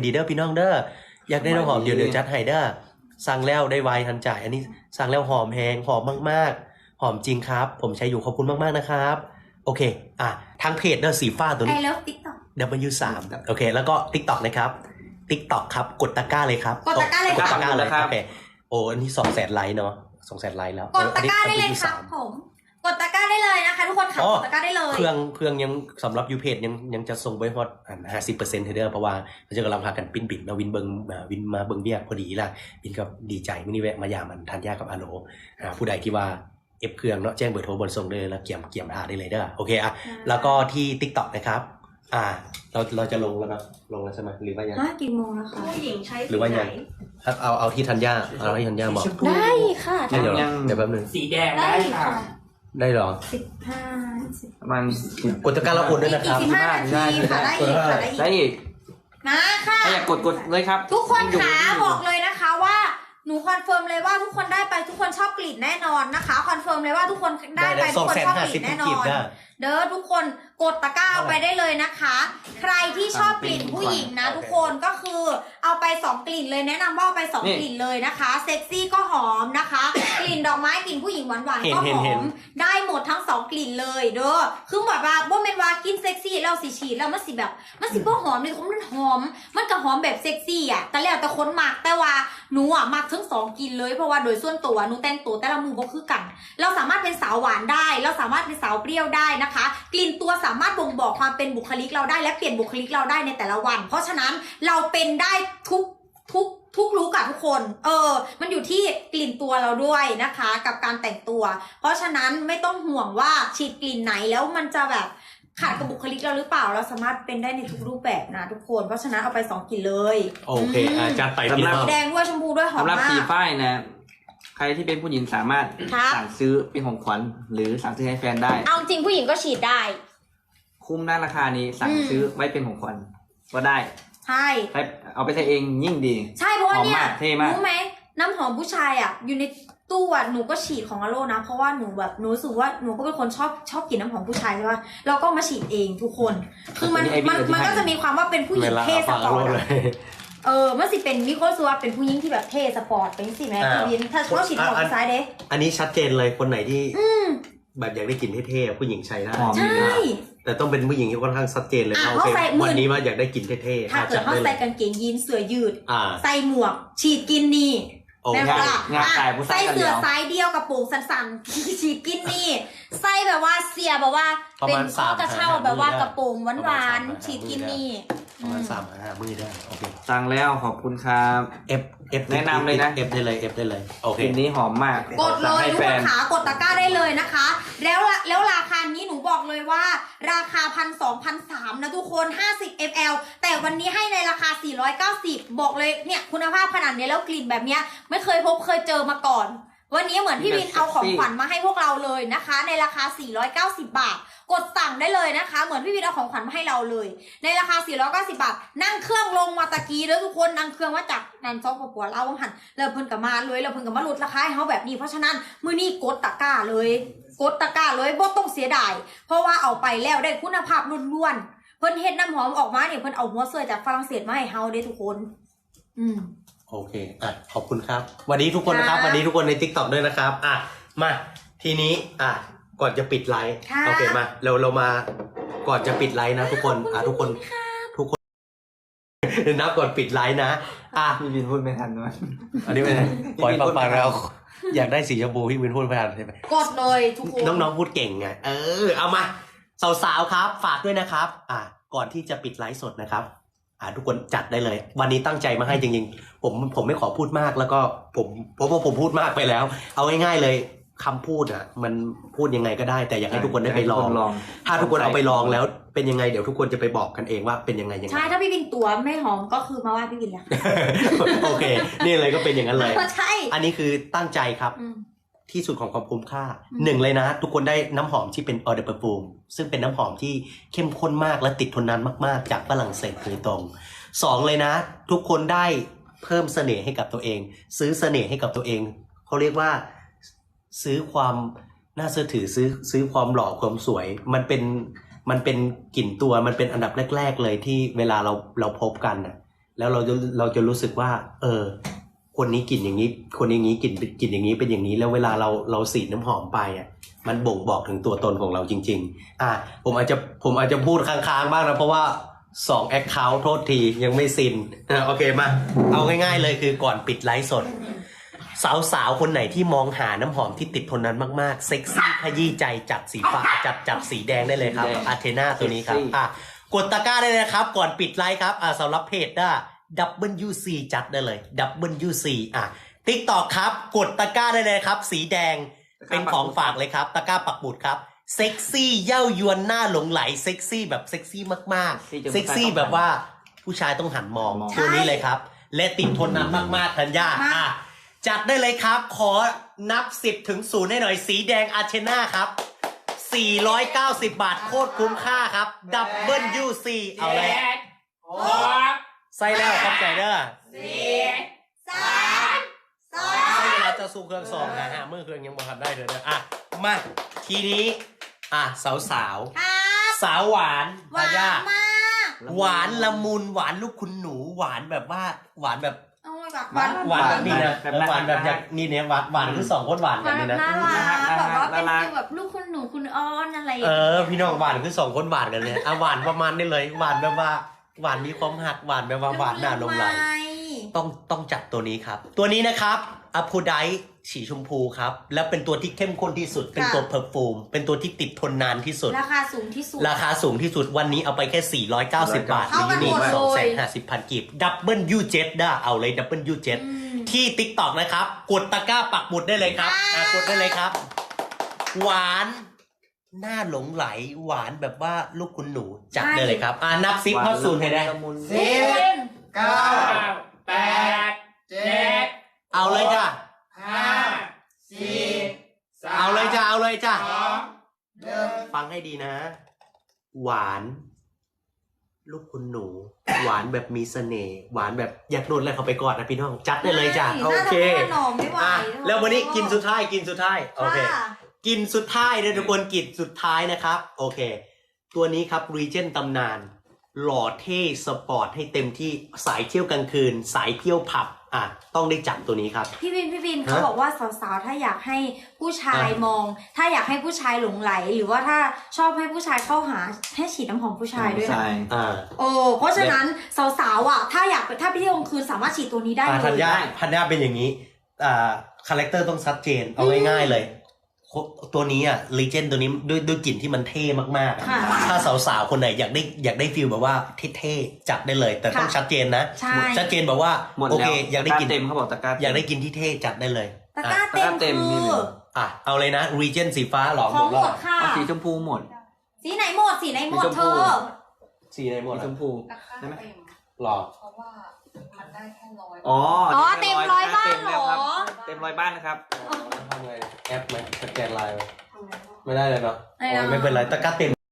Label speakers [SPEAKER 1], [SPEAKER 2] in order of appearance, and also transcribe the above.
[SPEAKER 1] ดีเด้อพี่น้องเด้ออยากได้น้ำหอมเดี๋ยวจัดให้เด้อสั่งแล้วได้ไวทันจ่ายอันนี้สั่งแล้วหอมแฮงหอมมากๆหอมจริงครับผมใช้อยู่ขอบคุณมากๆนะครับโอเคทางเพจเด้อสีฟ้าตัวนี้
[SPEAKER 2] I love TikTok
[SPEAKER 1] W3 โอเคแล้วก็ TikTok นะครับ TikTok ครับกดตะกร้าเลยครับ
[SPEAKER 2] กดตะกร้าเลย
[SPEAKER 1] กดตะกร้าเลย
[SPEAKER 3] ครับ
[SPEAKER 1] โอเคโอ้อันนี้200,000 ไลค์เนาะ200,000 ไลค์แล้ว
[SPEAKER 2] กดตะกร้าได้เลยครับ
[SPEAKER 1] W3
[SPEAKER 2] ผมกดตะกร้าได้เลยนะคะทุกคนค่ะกดตะกร้าได้เลย
[SPEAKER 1] เครื่องยังสำหรับยูเพจยังจะส่งไปฮอต50%เทเดอร์เพราะว่าเราจะกำลังพากันปิ้นบิดมาวินมาเบิงเบียกพอดีล่ะวินก็ดีใจมินิแวะมายามันทันยากับอาโลผู้ใดที่ว่าเอฟเครื่องเนาะแจ้งเบอร์โทรบนส่งเลยแล้วเกี่ยมทาได้เลยเด้อโอเคแล้วก็ที่ TikTok นะครับเราจะลงแล้วนะลงแล้วใช่ไหมหรือว่ายัง
[SPEAKER 2] กี่โมงแล้วคะ
[SPEAKER 4] ผู้หญิงใช้
[SPEAKER 1] หรือว่ายังเอาที่ทันยาเอาที่ทันยาบอก
[SPEAKER 2] ได้ค่ะ
[SPEAKER 1] เดี๋ยวแป๊บนึง
[SPEAKER 3] สีแดง
[SPEAKER 2] ได้
[SPEAKER 3] ได้
[SPEAKER 2] ค่ะ
[SPEAKER 3] ค่ะ
[SPEAKER 1] ได้เหรอ
[SPEAKER 2] 15
[SPEAKER 3] ประมาณ
[SPEAKER 1] กดตะกร้าแล้วคนด้วยนะครับ
[SPEAKER 2] 15 นาทีค่ะได้อีกค่ะได้
[SPEAKER 3] ได้
[SPEAKER 2] อีก
[SPEAKER 3] อีก
[SPEAKER 2] มาค่ะ
[SPEAKER 3] ถ้าอยากกดเลยครับ
[SPEAKER 2] ทุกคนขาบอกเลยนะคะว่าหนูคอนเฟิร์มเลยว่าทุกคนได้ไปทุกคนชอบกลิ่นแน่นอนนะคะคอนเฟิร์มเลยว่าทุกคนได้ไปทุกคนชอบกลิ่นแน่นอนเด้อทุกคนกดตะกร้าไปได้เลยนะคะ ใครที่ชอบกลิ่นผู้หญิงนะทุกคนก็คือเอาไป2กลิ่นเลยแนะนำว่าเอาไป2กลิ่นเลยนะคะเซ็กซี่ก็หอมนะคะ กลิ่นดอกไม้กลิ่นผู้หญิงหวานๆก็หอมได้หมดทั้ง2กลิ่นเลยเด้อคือแบบว่าบ่แม่นว่ากินเซ็กซี่แล้วสิฉีดแล้วมันสิบ่หอมเลยมันหอมมันก็หอมแบบเซ็กซี่อ่ะแต่แล้วแต่คนมักแต่ว่าหนูมักทั้ง2กลิ่นเลยเพราะว่าโดยส่วนตัวหนูแต่งตัวแต่ละมือบ่คือกันเราสามารถเป็นสาวหวานได้เราสามารถเป็นสาวเปรี้ยวได้นะคะกลิ่นตัวสามารถบ่งบอกความเป็นบุคลิกเราได้และเปลี่ยนบุคลิกเราได้ในแต่ละวันเพราะฉะนั้นเราเป็นได้ทุกลุคอะทุกคนมันอยู่ที่กลิ่นตัวเราด้วยนะคะกับการแต่งตัวเพราะฉะนั้นไม่ต้องห่วงว่าฉีดกลิ่นไหนแล้วมันจะแบบขัดกับบุคลิกเราหรือเปล่าเราสามารถเป็นได้ในทุกรูปแบบนะทุกคนเพราะฉะนั้นเอาไป2กลิ่นเลย
[SPEAKER 1] โอเคจัดไปพี่
[SPEAKER 3] สำหรับ
[SPEAKER 1] น้อง
[SPEAKER 2] แดงด้วยชมพูด้วยหอม
[SPEAKER 3] สำหรับ
[SPEAKER 2] มา
[SPEAKER 3] สี
[SPEAKER 2] ก
[SPEAKER 3] ฝ้ายนะ ใครที่เป็นผู้หญิงสามารถ
[SPEAKER 2] ครับ
[SPEAKER 3] สั่งซื้อเป็นของขวัญหรือสั่งซื้อให้แฟนได้
[SPEAKER 2] เอาจริงผู้หญิงก็ฉีดได้
[SPEAKER 3] คุ้มหน้าราคานี้สั่งซื้อไว้เป็นของขวัญก็ได้
[SPEAKER 2] ใช่
[SPEAKER 3] ใช้เอาไปใช้เองยิ่งดี
[SPEAKER 2] ใช่เพราะว่าเนี่ย
[SPEAKER 3] หอมมากเท่มาก
[SPEAKER 2] รู้ไหมน้ำหอมผู้ชายอ่ะอยู่ในตู้อ่ะหนูก็ฉีดของอโลนะเพราะว่าหนูแบบหนูรู้สึกว่าหนูก็เป็นคนชอบกลิ่นน้ำหอมผู้ชายใช่ป่ะเราก็มาฉีดเองทุกคนคือมันก็จะมีความว่าเป็นผู้หญิงเท่สปอร์ตอะมันสิเป็นมีคนรู้สึกว่าเป็นผู้หญิงที่แบบเท่สปอร์ตเป็นสิแม่พี่วินถ้าเขาฉีดของผู้ชายเด้
[SPEAKER 1] อันนี้ชัดเจนเลยคนไหนที่แบบอยากได้กลิ่นเท่ๆผู้หญิงใช้ได้
[SPEAKER 3] หอม
[SPEAKER 2] ใช่
[SPEAKER 1] แต่ต้องเป็นผู้หญิงที่ค่อนข้างชัดเจนเลยว่าโอ
[SPEAKER 2] เขา
[SPEAKER 1] เค
[SPEAKER 2] ใส่หมื่น
[SPEAKER 1] วันนี้ว่าอยากได้กลิ่นเท่ๆ
[SPEAKER 2] ถ้าเกิดเขาใส่กางเกงยีนเสื้อยืด ใส่หมวก ฉีดกินนี่
[SPEAKER 1] โอเค
[SPEAKER 2] แม่ว่า
[SPEAKER 3] งานขายผู้ชาย
[SPEAKER 2] ใส่
[SPEAKER 3] กัน
[SPEAKER 2] เสื้
[SPEAKER 3] เดี
[SPEAKER 2] อ
[SPEAKER 3] ยว
[SPEAKER 2] สายเดียวกับโปร่งสั้นๆ ฉีดกินนี่ใส่แบบว่าเสียแบบว่า
[SPEAKER 1] ประ
[SPEAKER 2] เป็น
[SPEAKER 1] มาณ
[SPEAKER 2] ข้อกระเช่า
[SPEAKER 1] 3-5
[SPEAKER 2] แบบว่า
[SPEAKER 1] มื้อได้
[SPEAKER 2] กระโปรงห
[SPEAKER 1] ประ
[SPEAKER 2] วา
[SPEAKER 1] มาณ
[SPEAKER 2] น
[SPEAKER 1] 3-5
[SPEAKER 2] ๆฉีดกินนี่
[SPEAKER 1] ประมาณ3-5 มื้อได้โอเค
[SPEAKER 3] สั่งแล้วขอบคุณครับ
[SPEAKER 1] F
[SPEAKER 3] แนะนำเลยนะ
[SPEAKER 1] F ได้เลย F ได้เลยโอเค
[SPEAKER 3] กลิ่นนี้หอมมาก
[SPEAKER 2] กดเล
[SPEAKER 3] สั่ง
[SPEAKER 2] ย
[SPEAKER 3] ให้
[SPEAKER 2] ทุก
[SPEAKER 3] แฟ
[SPEAKER 2] คน
[SPEAKER 3] น
[SPEAKER 2] ขากดตะกร้าได้เลยนะคะ แล้วราคานี้หนูบอกเลยว่า ราคา1,200-1,300นะทุกคน50 ml แต่วันนี้ให้ในราคา490บอกเลยเนี่ยคุณภาพขนาดนี้แล้วกลิ่นแบบเนี้ยไม่เคยเจอมาก่อน วันนี้เหมือนพี่วินเอาของขวัญมาให้พวกเราเลยนะคะ ในราคา490 บาทกดสั่งได้เลยนะคะเหมือนพี่วินเอาของขวัญมาให้เราเลย ในราคา490 บาทนั่งเครื่องลงมาตะกี้แล้วทุกคนนั่งเครื่องมาจากนันซอกปัวเล่าวังหันแล้วเพิ่นกับมาเลยแล้วเพิ่นกับมาลดราคาให้เขาแบบนี้เพราะฉะนั้นมื้อนี้กดตะกร้าเลยบ่ต้องเสียดายเพราะว่าเอาไปแล้วได้คุณภาพล้วนๆเพิ่นเฮ็ดน้ำหอมออกมาเนี่ยเพิ่นเอาหัวเสื้อจากฝรั่งเศสมาให้เฮาเด้ทุกคน
[SPEAKER 1] โอเคขอบคุณครับวันนี้ทุกคนนะครับวันนี้ทุกคนใน TikTok ด้วยนะครับมาทีนี้ก่อนจะปิดไลฟ์โอเคมาเรามาก่อนจะปิดไลฟ์นะทุกคนทุกคนนับก่อนปิดไลฟ์นะ
[SPEAKER 3] พี่วินพูดไม่ทันด้วย
[SPEAKER 1] อันนี้เป็นปล่อยฟังแล้วอยากได้สีชมพูพี่วินพูดไปทันใช่ไหม
[SPEAKER 2] กดเลยทุกคน
[SPEAKER 1] น้องๆพูดเก่งไงเอามาสาวๆครับฝากด้วยนะครับก่อนที่จะปิดไลฟ์สดนะครับทุกคนจัดได้เลยวันนี้ตั้งใจมาให้จริงๆผมไม่ขอพูดมากแล้วก็เพราะว่าผมพูดมากไปแล้ว เอาง่ายๆเลยคำพูดมันพูดยังไงก็ได้แต่อยากให้ทุกคนได้ไปลองถ้าทุกคนเอาไปลองแล้วเป็นยังไงเดี๋ยวทุกคนจะไปบอกกันเองว่าเป็นยังไง
[SPEAKER 2] ใช่ถ้าพี่วินตัวไม่หอมก็คือมาว่าพี่วินแหละ
[SPEAKER 1] โอเคนี่เลยก็เป็นอย่างนั้นเลย
[SPEAKER 2] ใช่
[SPEAKER 1] อันนี้คือตั้งใจครับที่สุดของความคุ้มค่าหนึ่งเลยนะทุกคนได้น้ำหอมที่เป็นออเดอร์เปอร์ฟูมซึ่งเป็นน้ำหอมที่เข้มข้นมากและติดทนนานมากๆจากฝรั่งเศสโดยตรงสองเลยนะทุกคนได้เพิ่มเสน่ห์ให้กับตัวเองซื้อเสน่ห์ให้กับตัวเองเขาเรียกว่าซื้อความน่าเชื่อถือซื้อความหล่อความสวยมันเป็นกลิ่นตัวมันเป็นอันดับแรกๆเลยที่เวลาเราพบกันแล้วเราจะรู้สึกว่า คนนี้กลิ่นอย่างนี้ คนอย่างนี้กลิ่นอย่างนี้เป็นอย่างนี้ แล้วเวลาเราสีดน้ำหอมไปอ่ะมันบ่งบอกถึงตัวตนของเราจริงๆผมอาจจะพูดค้างๆบ้างนะเพราะว่า2 account โทษทียังไม่ซินโอเคมาเอาง่ายๆเลยคือก่อนปิดไลฟ์สด สาวๆคนไหนที่มองหาน้ำหอมที่ติดทนนั้นมากๆเซ็กซี่ขยี้ใจจัดสีฟ้าจัดสีแดงได้เลยครับอาเทนาตัวนี้ครับกดตะกร้าได้เลยนะครับก่อนปิดไลฟ์ครับสำหรับเพจWC จัดได้เลย WC TikTok ครับกดตะกร้าได้เลยครับสีแดงเป็นของฝากเลยครับตะกร้าปักหมุดครับเซ็กซี่เย้ายวนหน้าหลงไหลเซ็กซี่แบบเซ็กซี่มากๆเซ็กซี่แบบว่าผู้ชายต้องหันมองตัวนี้เลยครับและติดทนนานมากๆธัญญาจัดได้เลยครับขอนับ10 ถึง 0ให้หน่อยสีแดงอาเทนาครับ490 บาทโคตรคุ้มค่าครับ WC เอาเลยใส่แล้วขอบใจเด้อใส่เวลาจะสู้เครื่อง2นะฮะเมื่อเครื่องยังบ่ทันได้เลยนะมาทีนี้สาวสาวหวาน
[SPEAKER 2] หวาน
[SPEAKER 1] ญาม
[SPEAKER 2] าก
[SPEAKER 1] หวานละมุนหวานลูกคุณหนูหวานแบบว่าหวานแบบ
[SPEAKER 2] โอ้ยแบบ
[SPEAKER 1] หวานแบบนี้นะหวานแบบอย่างนี่เนี่ยหวานคือ2 คนหวานกันนี่นะ
[SPEAKER 2] น่ารักแบบว่าเป็นฟีลแบบลูกคุณหนูคุณอ้อนอะไรอย่างเงี้ย
[SPEAKER 1] พี่น้องหวานคือ2 คนหวานกันเลยหวานประมาณนี้เลยหวานแบบว่าหวานมีความหักหวานแบบว่าหวานหน้าลงไหลต้องจัดตัวนี้ครับตัวนี้นะครับอะโพไดสีชมพูครับแล้วเป็นตัวที่เข้มข้นที่สุดเป็นตัวเพอร์ฟูมเป็นตัวที่ติดทนนานที่สุด
[SPEAKER 2] ราคาสูงที่สุด
[SPEAKER 1] วันนี้เอาไปแค่490 บาท
[SPEAKER 2] เท่ากันหมดเลย
[SPEAKER 1] 250,000 กีบWJ ได้เอาเลย WJ ที่ TikTok นะครับกดตะกร้าปักหมุดได้เลยครับกดได้เลยครับหวานหน้าหลงไหลหวานแบบว่าลูกคุณหนูจัดได้เลยครับนับ10เข้า0ให้ได้
[SPEAKER 4] 10 9 8 7
[SPEAKER 1] เอาเลยจ้ะ
[SPEAKER 4] 5 4
[SPEAKER 1] เอาเลยจ้ะเอาเลยจ้ะ
[SPEAKER 4] 2 1
[SPEAKER 1] ฟังให้ดีนะ หวานลูกคุณหนูหวานแบบมีเสน่ห์หวานแบบอยากโดนอะไรเขาไปก่อนนะพี่น้องจัดได้เลยจ้ะโอเคแล้ววันนี้กินสุดท้ายโอเคกินสุดท้ายเลยทุกคนกินสุดท้ายนะครับโอเคตัวนี้ครับรีเจนตำนานหล่อเท่สปอร์ตให้เต็มที่สายเที่ยวกลางคืนสายเที่ยวผับต้องได้จับตัวนี้ครับ
[SPEAKER 2] พี่วินเขาบอกว่าสาวๆถ้าอยากให้ผู้ชายมองถ้าอยากให้ผู้ชายหลงไหลหรือว่าถ้าชอบให้ผู้ชายเข้าหาให้ฉีดน้ำหอมผู้ชายด้วยนะเพราะฉะนั้นสาวๆถ้าไปเที่ยวกลางคืนสามารถฉีดตัวนี้ได้เลย
[SPEAKER 1] ธัญญาเป็นอย่างนี้คาแรคเตอร์ต้องชัดเจนเอาง่ายๆเลยตัวนี้ลีเจนตัวนี้ด้วยกลิ่นที่มันเท่มากๆถ้าสาวๆคนไหนอยากได้ฟีลแบบว่าเท่ๆจัดได้เลยแต่ต้องชัดเจนนะชัดเจนแบบว่าโอเคอยากได้กลิ่น
[SPEAKER 3] เต็มเขาบอกตะกร้า
[SPEAKER 1] อยากได้กลิ่นที่เท่จัดได้เลย
[SPEAKER 2] ตะกร้าเต็มคือ
[SPEAKER 1] เอาเลยนะรีเจนสีฟ้าหรอ
[SPEAKER 2] ของหมดค่ะ
[SPEAKER 3] สีชมพูหมด
[SPEAKER 2] สีไหนหมดเธอ
[SPEAKER 1] สีไหนหมด
[SPEAKER 3] ชมพู
[SPEAKER 4] ใช่ไหม
[SPEAKER 1] หรอ
[SPEAKER 4] เพราะว่ามันได้แค่100
[SPEAKER 2] เต็ม100 บ้านเหรอ
[SPEAKER 3] เต็ม100 บ้านนะครับ
[SPEAKER 1] ทำไงแอปไหมสแกนไลน์ไม่ได้เลยเนาะไม่เป็นไรตะกร้าเต็ม